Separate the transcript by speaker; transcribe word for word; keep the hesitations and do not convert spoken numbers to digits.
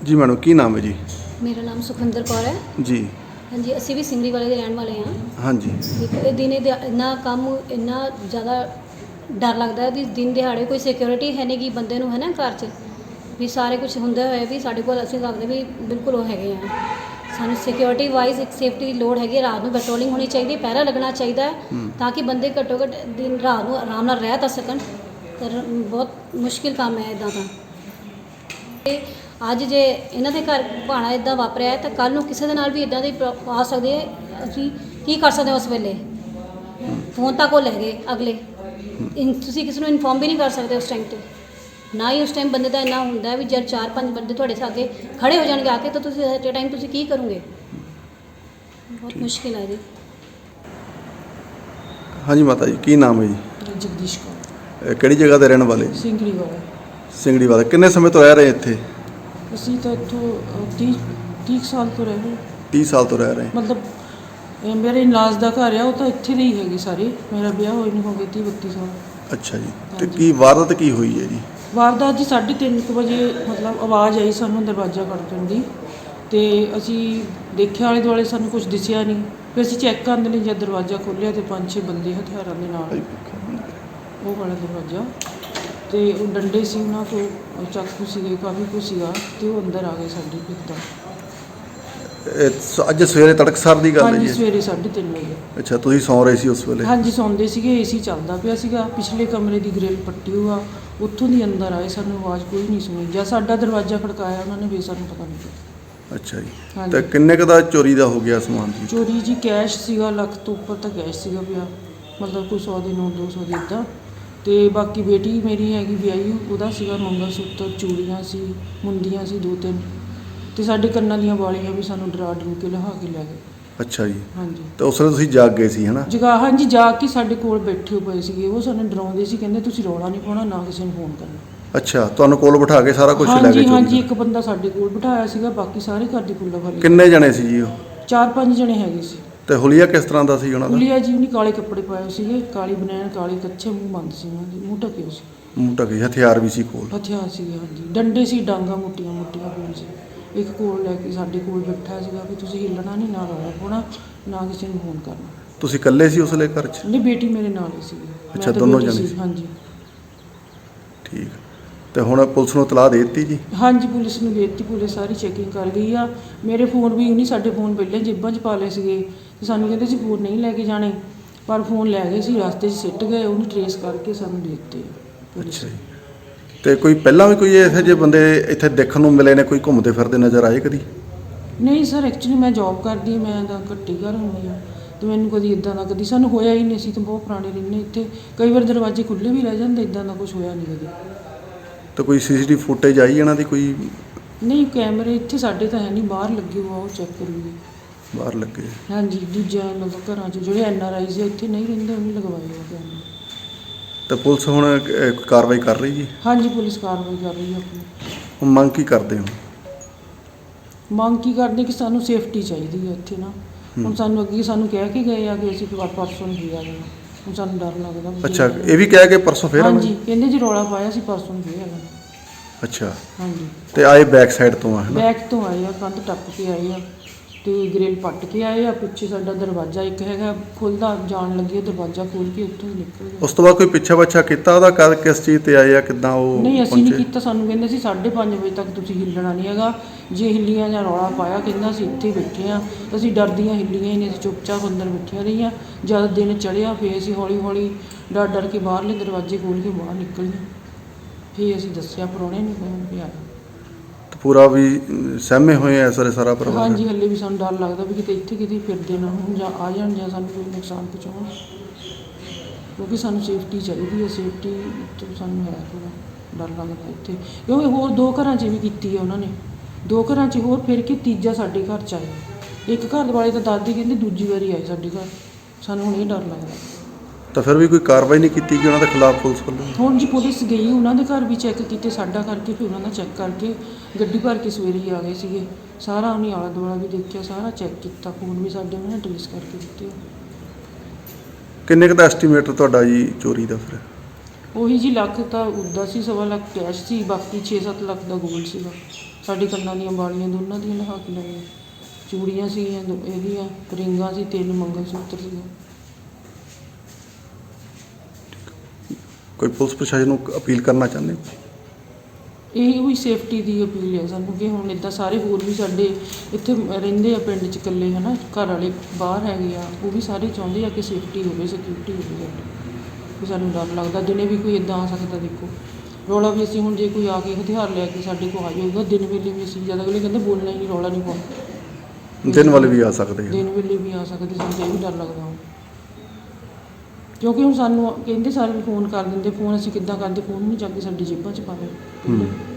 Speaker 1: ਜੀ ਮੈਡਮ, ਕੀ ਨਾਮ ਹੈ ਜੀ?
Speaker 2: ਮੇਰਾ ਨਾਮ ਸੁਖਵਿੰਦਰ ਕੌਰ ਹੈ
Speaker 1: ਜੀ।
Speaker 2: ਹਾਂਜੀ, ਅਸੀਂ ਵੀ ਸਿੰਗੜੀ ਵਾਲੇ ਦੇ ਰਹਿਣ ਵਾਲੇ ਹਾਂ।
Speaker 1: ਹਾਂਜੀ।
Speaker 2: ਦੇਖੋ, ਇਹ ਦਿਨੇ ਦਿਹਾ ਇੰਨਾ ਕੰਮ ਇੰਨਾ ਜ਼ਿਆਦਾ ਡਰ ਲੱਗਦਾ ਹੈ ਵੀ ਦਿਨ ਦਿਹਾੜੇ ਕੋਈ ਸਿਕਿਉਰਿਟੀ ਹੈ ਨਹੀਂ ਗੀ ਬੰਦੇ ਨੂੰ, ਹੈ ਨਾ, ਘਰ 'ਚ ਵੀ ਸਾਰੇ ਕੁਛ ਹੁੰਦੇ ਹੋਏ ਵੀ ਸਾਡੇ ਕੋਲ ਅਸੀਂ ਲੱਗਦੇ ਵੀ ਬਿਲਕੁਲ ਉਹ ਹੈਗੇ ਆ। ਸਾਨੂੰ ਸਿਕਿਉਰਿਟੀ ਵਾਈਜ਼ ਇੱਕ ਸੇਫਟੀ ਦੀ ਲੋੜ ਹੈਗੀ ਹੈ। ਰਾਤ ਨੂੰ ਪੈਟਰੋਲਿੰਗ ਹੋਣੀ ਚਾਹੀਦੀ ਹੈ, ਪਹਿਰਾ ਲੱਗਣਾ ਚਾਹੀਦਾ ਹੈ ਤਾਂ ਕਿ ਬੰਦੇ ਘੱਟੋ ਘੱਟ ਦਿਨ ਰਾਤ ਨੂੰ ਆਰਾਮ ਨਾਲ ਰਹਿ ਤਾਂ ਸਕਣ। ਪਰ ਬਹੁਤ ਮੁਸ਼ਕਿਲ ਕੰਮ ਹੈ ਇੱਦਾਂ ਦਾ। ਅਤੇ ਅੱਜ ਜੇ ਇਹਨਾਂ ਦੇ ਘਰ ਭਾਣਾ ਇੱਦਾਂ ਵਾਪਰਿਆ ਹੈ ਤਾਂ ਕੱਲ੍ਹ ਨੂੰ ਕਿਸੇ ਦੇ ਨਾਲ ਵੀ ਇੱਦਾਂ ਦੀ ਪ੍ਰੋ- ਆ ਸਕਦੀ ਹੈ। ਅਸੀਂ ਕੀ ਕਰ ਸਕਦੇ ਹਾਂ ਉਸ ਵੇਲੇ? ਫੋਨ ਤੱਕ ਉਹ ਲੈ ਗਏ ਅਗਲੇ। ਇਨ ਤੁਸੀਂ ਕਿਸੇ ਨੂੰ ਇਨਫੋਰਮ ਵੀ ਨਹੀਂ ਕਰ ਸਕਦੇ ਉਸ ਟਾਈਮ 'ਤੇ। ਨਾ ਹੀ ਉਸ ਟਾਈਮ ਬੰਦੇ ਦਾ ਇੰਨਾ ਹੁੰਦਾ ਵੀ ਜਦ ਚਾਰ ਪੰਜ ਬੰਦੇ ਤੁਹਾਡੇ ਅੱਗੇ ਖੜ੍ਹੇ ਹੋ ਜਾਣਗੇ ਆ ਕੇ ਤਾਂ ਤੁਸੀਂ ਐਟ ਏ ਟਾਈਮ ਤੁਸੀਂ ਕੀ ਕਰੋਗੇ? ਬਹੁਤ ਮੁਸ਼ਕਿਲ ਹੈ ਜੀ।
Speaker 1: ਹਾਂਜੀ ਮਾਤਾ ਜੀ, ਕੀ ਨਾਮ ਹੈ ਜੀ?
Speaker 3: ਜਗਦੀਸ਼ ਕੌਰ,
Speaker 1: ਇਹ ਕਿਹੜੀ ਜਗ੍ਹਾ ਦੇ ਰਹਿਣ ਵਾਲੇ?
Speaker 3: ਸਿੰਗੜੀ ਵਾਲਾ।
Speaker 1: ਸਿੰਗੜੀ ਵਾਲੇ। ਕਿੰਨੇ ਸਮੇਂ ਤੋਂ ਰਹਿ ਰਹੇ ਇੱਥੇ?
Speaker 3: ਅਸੀਂ ਤਾਂ ਇੱਥੋਂ ਤੀਹ ਤੀਹ ਸਾਲ ਤੋਂ ਰਹਿ ਰਹੇ।
Speaker 1: ਤੀਹ ਸਾਲ ਤੋਂ ਰਹਿ ਰਹੇ।
Speaker 3: ਮਤਲਬ ਇਹ ਮੇਰੇ ਇਨਲਾਜ ਦਾ ਘਰ ਆ, ਉਹ ਤਾਂ ਇੱਥੇ ਦੇ ਹੀ ਹੈਗੇ ਸਾਰੇ। ਮੇਰਾ ਵਿਆਹ ਹੋਏ ਨੂੰ ਹੋ ਗਏ ਤੀਹ ਬੱਤੀ ਸਾਲ।
Speaker 1: ਅੱਛਾ ਜੀ। ਤੇ ਕੀ ਵਾਰਦਾਤ ਕੀ ਹੋਈ ਹੈ ਜੀ?
Speaker 3: ਵਾਰਦਾਤ ਜੀ ਸਾਢੇ ਤਿੰਨ ਕੁ ਵਜੇ ਮਤਲਬ ਆਵਾਜ਼ ਆਈ ਸਾਨੂੰ ਦਰਵਾਜ਼ਾ ਖੜਕਣ ਦੀ, ਅਤੇ ਅਸੀਂ ਦੇਖਿਆ ਆਲੇ ਦੁਆਲੇ, ਸਾਨੂੰ ਕੁਝ ਦਿਸਿਆ ਨਹੀਂ। ਫਿਰ ਅਸੀਂ ਚੈੱਕ ਕਰਨ ਲਈ ਜਦ ਦਰਵਾਜ਼ਾ ਖੋਲ੍ਹਿਆ ਤਾਂ ਪੰਜ ਛੇ ਬੰਦੇ ਹਥਿਆਰਾਂ ਦੇ ਨਾਲ, ਉਹ ਵਾਲਾ ਦਰਵਾਜ਼ਾ, ਅਤੇ ਉਹ ਡੰਡੇ ਸੀ ਉਹਨਾਂ ਕੋਲ, ਚਾਕੂ ਸੀਗੇ, ਕਾਫੀ ਕੁਛ ਸੀਗਾ, ਅਤੇ ਉਹ ਅੰਦਰ ਆ ਗਏ ਸਾਡੇ ਇੱਕਦਮ।
Speaker 1: ਇਹ ਸ- ਅੱਜ ਸਵੇਰੇ ਤੜਕਸਾਰ ਦੀ ਗੱਲ ਹੈ
Speaker 3: ਹਾਂਜੀ,
Speaker 1: ਜੀ?
Speaker 3: ਸਵੇਰੇ ਸਾਢੇ ਤਿੰਨ ਵਜੇ।
Speaker 1: ਅੱਛਾ, ਤੁਸੀਂ ਸੌਂ ਰਹੇ ਸੀ ਉਸ ਵੇਲੇ?
Speaker 3: ਹਾਂਜੀ, ਸੌਂਦੇ ਸੀਗੇ। ਏਸੀ ਚੱਲਦਾ ਪਿਆ ਸੀਗਾ, ਪਿਛਲੇ ਕਮਰੇ ਦੀ ਗ੍ਰਿਲ ਪੱਟੀ ਹੋਆ, ਉੱਥੋਂ ਦੀ ਅੰਦਰ ਆਏ। ਸਾਨੂੰ ਆਵਾਜ਼ ਕੋਈ ਨਹੀਂ ਸੁਣੀ। ਜਾਂ ਸਾਡਾ ਦਰਵਾਜ਼ਾ ਖੜਕਾਇਆ ਉਹਨਾਂ ਨੇ, ਵੀ ਸਾਨੂੰ ਪਤਾ ਨਹੀਂ ਪਿਆ।
Speaker 1: ਅੱਛਾ ਜੀ।
Speaker 3: ਹਾਂਜੀ।
Speaker 1: ਤੇ ਕਿੰਨੇ ਕੁ ਦਾ ਚੋਰੀ ਦਾ ਹੋ ਗਿਆ ਸਮਾਨ ਜੀ?
Speaker 3: ਚੋਰੀ ਜੀ ਕੈਸ਼ ਸੀਗਾ, ਲੱਖ ਤੋਂ ਉੱਪਰ ਤਾਂ ਕੈਸ਼ ਸੀਗਾ ਪਿਆ, ਮਤਲਬ ਕੋਈ ਸੌ ਦੇ ਨੋਟ, ਦੋ ਸੌ ਦੇ ਇੱਦਾਂ। ਅਤੇ ਬਾਕੀ ਬੇਟੀ ਮੇਰੀ ਹੈਗੀ ਵਿਆਹੀ, ਉਹਦਾ ਸੀਗਾ ਮੰਗਲ ਸੂਤਰ, ਚੂੜੀਆਂ ਸੀ, ਮੁੰਦੀਆਂ ਸੀ ਦੋ ਤਿੰਨ, ਅਤੇ ਸਾਡੇ ਕੰਨਾਂ ਦੀਆਂ ਵਾਲੀਆਂ ਵੀ ਸਾਨੂੰ ਡਰਾ ਡਰੂ ਕੇ ਲਿਆ ਕੇ ਲੈ ਗਏ।
Speaker 1: ਅੱਛਾ ਜੀ।
Speaker 3: ਹਾਂਜੀ।
Speaker 1: ਤੇ ਉਸ ਵੇਲੇ ਤੁਸੀਂ ਜਾਗ ਗਏ ਸੀ, ਹੈ ਨਾ?
Speaker 3: ਜਗਾ ਹਾਂਜੀ, ਜਾ ਕੇ ਸਾਡੇ ਕੋਲ ਬੈਠੇ ਪਏ ਸੀਗੇ। ਉਹ ਸਾਨੂੰ ਡਰਾਉਂਦੇ ਸੀ, ਕਹਿੰਦੇ ਤੁਸੀਂ ਰੌਲਾ ਨਹੀਂ ਪਾਉਣਾ, ਨਾ ਕਿਸੇ ਨੂੰ ਫੋਨ ਕਰਨਾ।
Speaker 1: ਅੱਛਾ, ਤੁਹਾਨੂੰ ਕੋਲ ਬਿਠਾ ਕੇ ਸਾਰਾ ਕੁਝ ਲੈ ਗਏ?
Speaker 3: ਹਾਂਜੀ
Speaker 1: ਚੋਰੀ
Speaker 3: ਹਾਂਜੀ,
Speaker 1: ਦਾ?
Speaker 3: ਇੱਕ ਬੰਦਾ ਸਾਡੇ ਕੋਲ ਬਿਠਾਇਆ ਸੀਗਾ, ਬਾਕੀ ਸਾਰੇ ਘਰ ਦੀ ਕੁੱਲਾ ਵਾਲੀ।
Speaker 1: ਕਿੰਨੇ ਜਣੇ ਸੀ ਜੀ ਉਹ?
Speaker 3: ਚਾਰ ਪੰਜ ਜਣੇ ਹੈਗੇ ਸੀ।
Speaker 1: ਤੇ ਹੁਲੀਆ ਕਿਸ ਤਰ੍ਹਾਂ ਦਾ ਸੀ ਉਹਨਾਂ ਦਾ?
Speaker 3: ਹੁਲੀਆ ਜੀ ਉਹਨੇ ਕਾਲੇ ਕੱਪੜੇ ਪਾਏ ਸੀਗੇ, ਕਾਲੀ ਬਨੈਣ, ਕਾਲੇ ਕੱਛੇ, ਮੂੰਹ ਬੰਦ ਸੀ ਉਹਨਾਂ ਦੇ, ਮੂੰਹ ਢਕੇ ਸੀ।
Speaker 1: ਮੂੰਹ ਢਕੇ। ਹਥਿਆਰ ਵੀ ਸੀ ਕੋਲ?
Speaker 3: ਹਥਿਆਰ ਸੀਗੇ, ਹਾਂਜੀ। ਡੰਡੇ ਸੀ, ਡਾਂਗਾ ਮੋਟੀਆਂ ਮੋਟੀਆਂ ਕੋਲ ਸੀ। ਇੱਕ ਕੋਲ ਲੈ ਕੇ ਸਾਡੇ ਕੋਲ ਬੈਠਾ ਸੀਗਾ ਵੀ ਤੁਸੀਂ ਹਿੱਲਣਾ ਨਹੀਂ, ਨਾ ਰੌਲਾ ਪਾਉਣਾ, ਨਾ ਕਿਸੇ ਨੂੰ ਫੋਨ ਕਰਨਾ।
Speaker 1: ਤੁਸੀਂ ਇਕੱਲੇ ਸੀ ਉਸ ਵੇਲੇ ਘਰ 'ਚ?
Speaker 3: ਨਹੀਂ, ਬੇਟੀ ਮੇਰੇ ਨਾਲ ਹੀ ਸੀਗੀ। ਮੈਂ
Speaker 1: ਅੱਛਾ,
Speaker 3: ਤਾਂ
Speaker 1: ਦੋਨੋਂ
Speaker 3: ਬੇਟੀ
Speaker 1: ਜਣੇ ਸੀ।
Speaker 3: ਹਾਂਜੀ।
Speaker 1: ਠੀਕ। ਤੇ ਹੁਣ ਪੁਲਿਸ ਨੂੰ ਇਤਲਾਹ ਦੇ ਦਿੱਤੀ ਜੀ?
Speaker 3: ਹਾਂਜੀ, ਪੁਲਿਸ ਨੂੰ ਦੇ ਦਿੱਤੀ। ਪੁਲਿਸ ਸਾਰੀ ਚੈਕਿੰਗ ਕਰ ਗਈ ਆ। ਮੇਰੇ ਫੋਨ ਵੀ ਨਹੀਂ, ਸਾਡੇ ਫੋਨ ਪਹਿਲਾਂ ਜੇਬਾਂ 'ਚ ਪਾ ਲਏ ਸੀਗੇ, ਤੇ ਸਾਨੂੰ ਕਹਿੰਦੇ ਸੀ ਫੋਨ ਨਹੀਂ ਲੈ ਕੇ ਜਾਣੇ, ਪਰ ਫੋਨ ਲੈ ਗਏ ਸੀ, ਰਸਤੇ 'ਚ ਸਿੱਟ ਗਏ। ਉਹਨੂੰ ਟਰੇਸ ਕਰਕੇ ਸਾਨੂੰ ਦੇ ਦਿੱਤੇ ਪੁਲਿਸ।
Speaker 1: ਅੱਛਾ ਜੀ। ਤੇ ਕੋਈ ਪਹਿਲਾਂ ਵੀ ਕੋਈ ਇਹੋ ਜਿਹੇ ਬੰਦੇ ਇੱਥੇ ਦੇਖਣ ਨੂੰ ਮਿਲੇ ਨੇ, ਕੋਈ ਘੁੰਮਦੇ ਫਿਰਦੇ ਨਜ਼ਰ ਆਏ ਕਦੀ?
Speaker 3: ਨਹੀਂ ਸਰ, ਐਕਚੁਅਲੀ ਮੈਂ ਜੋਬ ਕਰਦੀ ਹਾਂ, ਮੈਂ ਤਾਂ ਘੱਟੀ ਘਰ ਹੁੰਦੀ ਹਾਂ, ਅਤੇ ਮੈਨੂੰ ਕਦੀ ਇੱਦਾਂ ਦਾ ਕਦੀ ਸਾਨੂੰ ਹੋਇਆ ਹੀ ਨਹੀਂ। ਅਸੀਂ ਤਾਂ ਬਹੁਤ ਪੁਰਾਣੇ ਰਹਿੰਦੇ ਇੱਥੇ, ਕਈ ਵਾਰ ਦਰਵਾਜ਼ੇ ਖੁੱਲ੍ਹੇ ਵੀ ਰਹਿ ਜਾਂਦੇ, ਇੱਦਾਂ ਦਾ ਕੁਝ ਹੋਇਆ ਨਹੀਂ ਕਦੇ।
Speaker 1: ਤਾਂ ਕੋਈ ਸੀਸੀਟੀਵੀ ਫੁਟੇਜ ਆਈ ਇਹਨਾਂ ਦੀ ਕੋਈ?
Speaker 3: ਨਹੀਂ, ਕੈਮਰੇ ਇੱਥੇ ਸਾਡੇ ਤਾਂ ਹੈ ਨਹੀਂ, ਬਾਹਰ ਲੱਗੇ ਹੋਆ, ਉਹ ਚੈੱਕ ਕਰੂਗੇ।
Speaker 1: ਬਾਹਰ ਲੱਗੇ?
Speaker 3: ਹਾਂਜੀ, ਦੂਜਿਆਂ ਮਤਲਬ ਘਰਾਂ 'ਚ ਜਿਹੜੇ ਐਨ ਆਰ ਆਈਜ਼ ਇੱਥੇ ਨਹੀਂ ਰਹਿੰਦੇ, ਉਹਨੇ ਲਗਵਾਏ ਹੋਏ ਕੈਮਰੇ।
Speaker 1: ਤਾਂ ਪੁਲਿਸ ਹੁਣ ਅਹ, ਕਾਰਵਾਈ ਕਰ ਰਹੀ ਜੀ?
Speaker 3: ਹਾਂਜੀ, ਪੁਲਿਸ ਕਾਰਵਾਈ ਕਰ ਰਹੀ ਹੈ ਆਪਣੀ।
Speaker 1: ਹੁਣ ਮੰਗ ਕੀ ਕਰਦੇ ਹੋ?
Speaker 3: ਮੰਗ ਕੀ ਕਰਦੇ ਕਿ ਸਾਨੂੰ ਸੇਫਟੀ ਚਾਹੀਦੀ ਹੈ ਇੱਥੇ ਨਾ। ਹੁਣ ਸਾਨੂੰ ਅੱਗੇ ਸਾਨੂੰ ਕਹਿ ਕੇ ਗਏ ਆ ਕਿ ਅਸੀਂ ਪਰ- ਪਰਸੋਂ ਨਹੀਂ ਆ ਜਾਣਾ। ਹੁਣ ਸਾਨੂੰ ਡਰ ਲੱਗਦਾ ਵੀ
Speaker 1: ਅੱਛਾ,
Speaker 3: ਜੇ-
Speaker 1: ਇਹ ਵੀ ਕਹਿ ਕੇ ਪਰਸੋਂ ਫੇਰ ਆਵਾਂਗੇ?
Speaker 3: ਹਾਂਜੀ, ਕਹਿੰਦੇ ਜੀ ਰੌਲਾ ਪਾਇਆ ਸੀ, ਪਰਸੋਂ ਨਹੀਂ ਫੇਰ ਆ ਜਾਣਾ।
Speaker 1: ਅੱਛਾ।
Speaker 3: ਹਾਂਜੀ,
Speaker 1: ਤੇ ਆਏ ਬੈਕ ਸਾਈਡ ਤੋਂ ਆ, ਹੈ ਨਾ?
Speaker 3: ਬੈਕ ਤੋਂ ਆਏ ਆ, ਕੰਧ ਟੱਪ ਕੇ ਆਏ ਆ, ਅਤੇ ਗ੍ਰਿਲ ਪੱਟ ਕੇ ਆਏ ਆ। ਪਿੱਛੇ ਸਾਡਾ ਦਰਵਾਜ਼ਾ ਇੱਕ ਹੈਗਾ ਖੁੱਲ੍ਹਦਾ, ਜਾਣ ਲੱਗੇ ਦਰਵਾਜ਼ਾ ਖੋਲ੍ਹ ਕੇ ਉੱਥੋਂ ਹੀ ਨਿਕਲ ਗਏ।
Speaker 1: ਉਸ ਤੋਂ ਬਾਅਦ ਕੋਈ ਪਿੱਛਾ ਬੱਛਾ ਕੀਤਾ ਉਹਦਾ? ਕਦ ਕਿਸ ਚੀਜ਼ ਤੇ ਆਏ ਆ, ਕਿੱਦਾਂ ਉਹ
Speaker 3: ਨਹੀਂ, ਅਸੀਂ ਨਹੀਂ
Speaker 1: ਪਹੁੰਚੇ?
Speaker 3: ਕੀਤਾ। ਸਾਨੂੰ ਕਹਿੰਦੇ ਸੀ ਸਾਢੇ ਪੰਜ ਵਜੇ ਤੱਕ ਤੁਸੀਂ ਹਿੱਲਣਾ ਨਹੀਂ ਹੈਗਾ, ਜੇ ਹਿੱਲੀਆਂ ਜਾਂ ਰੌਲਾ ਪਾਇਆ, ਕਹਿੰਦਾ ਅਸੀਂ ਇੱਥੇ ਹੀ ਬੈਠੇ ਹਾਂ। ਅਸੀਂ ਡਰਦੀਆਂ ਹਿੱਲੀਆਂ ਹੀ ਨਹੀਂ, ਅਸੀਂ ਚੁੱਪਚਾਪ ਅੰਦਰ ਬੈਠੀਆਂ ਰਹੀਆਂ। ਜਦ ਦਿਨ ਚੜ੍ਹਿਆ ਫਿਰ ਅਸੀਂ ਹੌਲੀ ਹੌਲੀ ਡਰ ਡਰ ਕੇ ਬਾਹਰਲੇ ਦਰਵਾਜ਼ੇ ਖੋਲ੍ਹ ਕੇ ਬਾਹਰ ਨਿਕਲੀਆਂ। ਫਿਰ ਅਸੀਂ ਦੱਸਿਆ ਪ੍ਰਾਹੁਣੇ ਨੂੰ, ਫੋਨ ਵੀ ਆਇਆ।
Speaker 1: ਤੇ ਪੂਰਾ ਵੀ ਅਮ, ਸਹਿਮੇ ਹੋਏ ਆ ਸਾਰੇ, ਸਾਰਾ ਪਰਿਵਾਰ?
Speaker 3: ਹਾਂਜੀ, ਹਲੇ ਵੀ ਸਾਨੂੰ ਡਰ ਲੱਗਦਾ ਵੀ ਕਿਤੇ ਇੱਥੇ ਕਿਤੇ ਫਿਰਦੇ ਨਾ ਹੋਣ, ਜਾਂ ਆ ਜਾਣ, ਜਾਂ ਸਾਨੂੰ ਕੋਈ ਨੁਕਸਾਨ ਪਹੁੰਚਾਉਣ, ਕਿਉਂਕਿ ਸਾਨੂੰ ਸੇਫਟੀ ਚਾਹੀਦੀ ਹੈ। ਸੇਫਟੀ ਤੋਂ ਸਾਨੂੰ ਹੈ ਥੋੜ੍ਹਾ ਡਰ ਲੱਗਦਾ ਇੱਥੇ, ਕਿਉਂਕਿ ਹੋਰ ਦੋ ਘਰਾਂ 'ਚ ਵੀ ਕੀਤੀ ਹੈ ਉਹਨਾਂ ਨੇ, ਦੋ ਘਰਾਂ 'ਚ ਹੋਰ ਫਿਰ ਕੇ ਤੀਜਾ ਸਾਡੇ ਘਰ 'ਚ ਆਇਆ। ਇੱਕ ਘਰ ਵਾਲੇ ਤਾਂ ਦਾਦੀ ਕਹਿੰਦੇ ਦੂਜੀ ਵਾਰੀ ਆਏ ਸਾਡੇ ਘਰ, ਸਾਨੂੰ ਹੁਣ ਇਹ ਡਰ ਲੱਗਦਾ।
Speaker 1: ਤਾਂ ਫਿਰ ਵੀ ਕੋਈ ਕਾਰਵਾਈ ਨਹੀਂ ਕੀਤੀ ਕਿ ਉਹਨਾਂ ਦੇ ਖਿਲਾਫ ਪੁਲਿਸ ਵੱਲੋਂ?
Speaker 3: ਹੁਣ ਜੀ ਪੁਲਿਸ ਗਈ, ਉਹਨਾਂ ਦੇ ਘਰ ਵੀ ਚੈੱਕ ਕੀਤੇ, ਸਾਡਾ ਕਰਕੇ, ਫਿਰ ਉਹਨਾਂ ਦਾ ਚੈੱਕ ਕਰਕੇ ਗੱਡੀ ਭਰ ਕੇ ਸਵੇਰੇ ਹੀ ਆ ਗਏ ਸੀਗੇ। ਸਾਰਾ ਉਹਨੇ ਆਲਾ ਦੁਆਲਾ ਵੀ ਦੇਖਿਆ, ਸਾਰਾ ਚੈੱਕ ਕੀਤਾ, ਫੋਨ ਵੀ ਸਾਡੇ ਉਹਨਾਂ ਨੇ ਟਰੇਸ ਕਰਕੇ ਦਿੱਤੇ।
Speaker 1: ਕਿੰਨੇ ਕੁ ਦਾ ਐਸਟੀਮੇਟ ਤੁਹਾਡਾ ਜੀ ਚੋਰੀ ਦਾ ਫਿਰ?
Speaker 3: ਉਹੀ ਜੀ ਲੱਖ ਤਾਂ ਉੱਦਾਂ ਸੀ, ਸਵਾ ਲੱਖ ਕੈਸ਼ ਸੀ, ਬਾਕੀ ਛੇ ਸੱਤ ਲੱਖ ਦਾ ਗੋਲਡ ਸੀਗਾ। ਸਾਡੇ ਕੰਨਾਂ ਦੀਆਂ ਬਾਲੀਆਂ ਦੋਨਾਂ ਦੀਆਂ ਲਹਾ ਕੇ ਲਈਆਂ, ਚੂੜੀਆਂ ਸੀਗੀਆਂ ਦੋ ਇਹਦੀਆਂ, ਰਿੰਗਾਂ ਸੀ, ਤਿੰਨ ਮੰਗਲ ਸੂਤਰ ਸੀਗੇ।
Speaker 1: ਕੋਈ ਪੁਲਿਸ ਪ੍ਰਸ਼ਾਸਨ ਨੂੰ ਅਪੀਲ ਕਰਨਾ ਚਾਹੁੰਦੇ ਹੋ?
Speaker 3: ਇਹੀ ਹੋਈ ਸੇਫਟੀ ਦੀ ਅਪੀਲ ਹੈ ਸਾਨੂੰ ਕਿ ਹੁਣ ਇੱਦਾਂ ਸਾਰੇ ਹੋਰ ਵੀ ਸਾਡੇ ਇੱਥੇ ਰਹਿੰਦੇ ਆ ਪਿੰਡ 'ਚ ਇਕੱਲੇ ਹੈ ਨਾ, ਘਰ ਵਾਲੇ ਬਾਹਰ ਹੈਗੇ ਆ, ਉਹ ਵੀ ਸਾਰੇ ਚਾਹੁੰਦੇ ਆ ਕਿ ਸੇਫਟੀ ਹੋਵੇ, ਸਿਕਿਉਰਿਟੀ ਹੋਵੇ ਸਾਡੀ। ਵੀ ਸਾਨੂੰ ਡਰ ਲੱਗਦਾ ਦਿਨੇ ਵੀ ਕੋਈ ਇੱਦਾਂ ਆ ਸਕਦਾ। ਦੇਖੋ ਰੌਲਾ ਵੀ ਅਸੀਂ ਹੁਣ ਜੇ ਕੋਈ ਆ ਕੇ ਹਥਿਆਰ ਲੈ ਕੇ ਸਾਡੇ ਕੋਲ ਆ ਜਾਊਗਾ ਦਿਨ ਵੇਲੇ ਵੀ ਅਸੀਂ ਜ਼ਿਆਦਾ ਅਗਲੇ ਕਹਿੰਦੇ ਬੋਲਣਾ ਹੀ ਨਹੀਂ, ਰੌਲਾ ਨਹੀਂ ਪਾਉਣਾ।
Speaker 1: ਦਿਨ ਵਾਲੇ ਵੀ ਆ ਸਕਦੇ ਆ।
Speaker 3: ਦਿਨ ਵੇਲੇ ਵੀ ਆ ਸਕਦੇ, ਸਾਨੂੰ ਇਹ ਵੀ ਡਰ ਲੱਗਦਾ ਹੁਣ, ਕਿਉਂਕਿ ਹੁਣ ਸਾਨੂੰ ਕਹਿੰਦੇ ਸਾਰੇ ਫੋਨ ਕਰ ਦਿੰਦੇ, ਫੋਨ ਅਸੀਂ ਕਿੱਦਾਂ ਕਰਦੇ, ਫੋਨ ਨਹੀਂ ਚੱਕ ਕੇ ਸਾਡੀ ਜੇਬਾਂ 'ਚ ਪਾਵੇ।